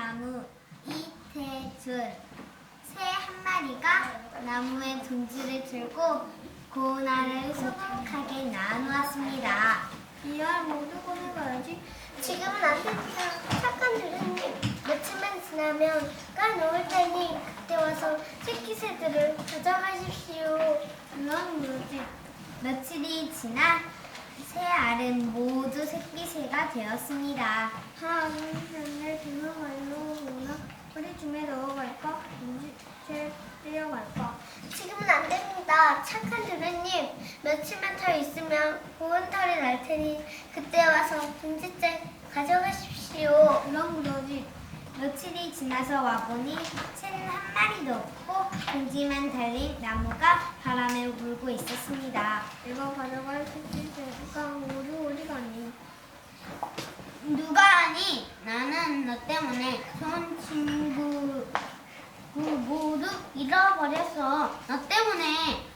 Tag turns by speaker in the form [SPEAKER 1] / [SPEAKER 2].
[SPEAKER 1] 나무 이태준. 새 한 마리가 나무에 둥지를 들고 고운 알을 수북하게 나누었습니다.
[SPEAKER 2] 이 알 모두 꺼내가야지.
[SPEAKER 3] 지금은 안 됩니다. 착한 주인님. 며칠만 지나면 까놓을 테니 그때 와서 새끼새들을 가져가십시오.
[SPEAKER 2] 이건 뭐지?
[SPEAKER 1] 며칠이 지나 새 알은 모두 새끼새가 되었습니다.
[SPEAKER 2] 하루는 등어갈로 오나 허리춤에 넣어갈까? 문지채 떼어갈까?
[SPEAKER 3] 지금은 안 됩니다. 착한 주인님. 며칠만 더 있으면 고운 털이 날 테니 그때 와서 둥지째 가져가십시오.
[SPEAKER 2] 이건 뭐지?
[SPEAKER 1] 며칠이 지나서 와보니 새는 한 마리도 없고 둥지만 달린 나무가 바람에 불고 있었습니다.
[SPEAKER 2] 이거 가져갈 새끼새가 우리 가니?
[SPEAKER 1] 누가 하니? 나는 너 때문에 좋은 친구 모두 잃어버렸어. 너 때문에